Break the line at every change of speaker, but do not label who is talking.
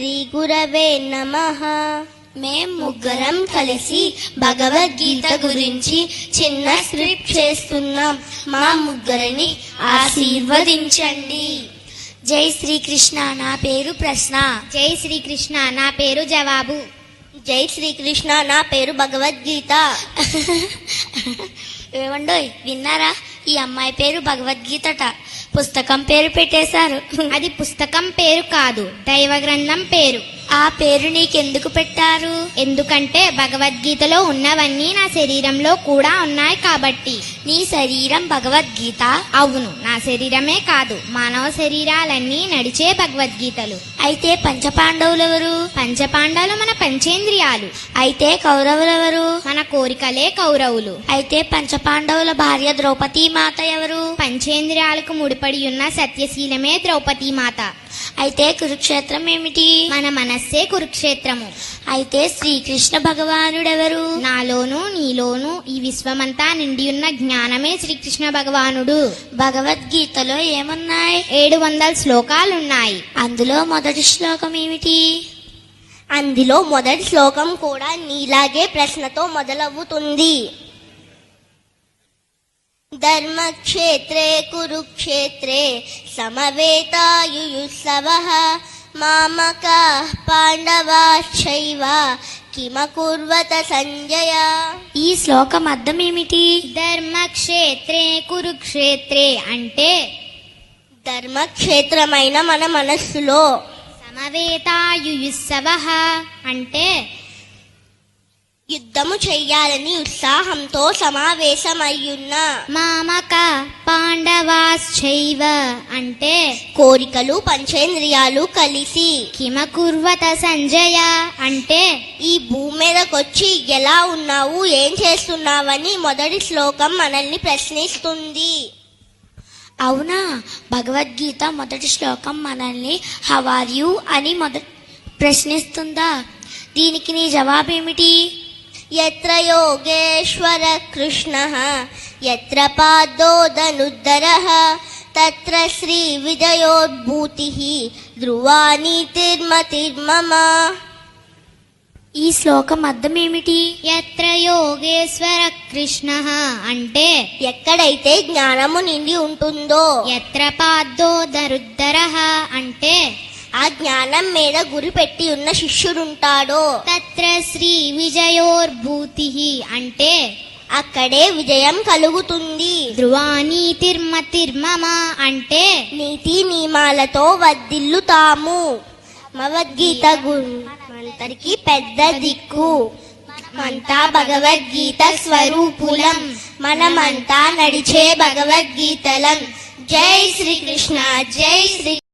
శ్రీ గురవే నమః. మేం ముగ్గురం కలిసి భగవద్గీత గురించి చిన్న స్క్రిప్ట్ చేస్తున్నాం. మా ముగ్గురిని ఆశీర్వదించండి.
జై శ్రీకృష్ణ. నా పేరు ప్రశ్న.
జై శ్రీకృష్ణ. నా పేరు జవాబు.
జై శ్రీకృష్ణ. నా పేరు భగవద్గీత.
ఏమండోయ్, విన్నారా? ఈ అమ్మాయి పేరు భగవద్గీతట. పుస్తకం పేరు పెట్టేశారు.
అది పుస్తకం పేరు కాదు, దైవ గ్రంథం పేరు.
ఆ పేరు నీకెందుకు పెట్టారు?
ఎందుకంటే భగవద్గీతలో ఉన్నవన్నీ నా శరీరంలో కూడా ఉన్నాయి కాబట్టి.
నీ శరీరం భగవద్గీత?
అవును, నా శరీరమే కాదు, మానవ శరీరాలన్నీ నడిచే భగవద్గీతలు.
అయితే పంచపాండవులెవరు?
పంచపాండవులు మన పంచేంద్రియాలు.
అయితే కౌరవులెవరు?
మన కోరికలే కౌరవులు.
అయితే పంచపాండవుల భార్య ద్రౌపదీ మాత ఎవరు?
పంచేంద్రియాలకు ముడిపడి ఉన్న సత్యశీలమే ద్రౌపదీ మాత.
అయితే కురుక్షేత్రం ఏమిటి?
మన మనస్సే కురుక్షేత్రము.
అయితే శ్రీకృష్ణ భగవానుడెవరు?
నాలోను నీలోను ఈ విశ్వమంతా నిండి ఉన్న జ్ఞానమే శ్రీకృష్ణ భగవానుడు.
భగవద్గీతలో ఏమున్నాయి?
700 శ్లోకాలున్నాయి.
అందులో మొదటి శ్లోకం ఏమిటి?
అందులో మొదటి శ్లోకం కూడా నీలాగే ప్రశ్నతో మొదలవుతుంది. ధర్మక్షేత్రే కురుక్షేత్రే సమవేతాయుయుత్సవః మామకాః పాండవాశ్చైవ కిమకుర్వత సంజయ.
ఈ శ్లోకం అర్థం ఏమిటి?
ధర్మక్షేత్రే కురుక్షేత్రే అంటే
ధర్మక్షేత్రమైన మన మనస్సులో,
సమవేతాయుయుత్సవః అంటే
యుద్ధము చెయ్యాలని ఉత్సాహంతో సమావేశమయ్యున్న,
మామక పాండవాశ్చైవ అంటే
కోరికలు పంచేంద్రియాలు కలిసి,
కిమకుర్వత సంజయ అంటే
ఈ భూమి మీదకొచ్చి ఎలా ఉన్నావు, ఏం చేస్తున్నావని మొదటి శ్లోకం మనల్ని ప్రశ్నిస్తుంది.
అవునా? భగవద్గీత మొదటి శ్లోకం మనల్ని హౌ ఆర్ యు అని ప్రశ్నిస్తుందా? దీనికి నీ జవాబేమిటి?
యత్ర యోగేశ్వర కృష్ణః యత్ర పాదోదనుద్దరః తత్ర శ్రీ విజయోద్భూతిః ధ్రువా నీతిర్మతిర్మమ.
ఈ శ్లోకం అర్థం ఏమిటి?
యత్ర యోగేశ్వర కృష్ణః అంటే
ఎక్కడైతే జ్ఞానము నిండి ఉంటుందో,
యత్ర పాదోదరుద్దరః అంటే
ఆ జ్ఞానం మీద గురి పెట్టి ఉన్న శిష్యుడుంటాడో,
తత్ర శ్రీ విజయోర్భూతిః అంటే
అక్కడే విజయం కలుగుతుంది.
ధ్రువానీతిర్మతిర్మమ అంటే
నీతి నియమాలతో వర్ధిల్లుతాము. భగవద్గీత మనందరికీ పెద్ద దిక్కు. మనమంతా భగవద్గీత స్వరూపులం. మనమంతా నడిచే భగవద్గీతలం. జై శ్రీకృష్ణ. జై శ్రీ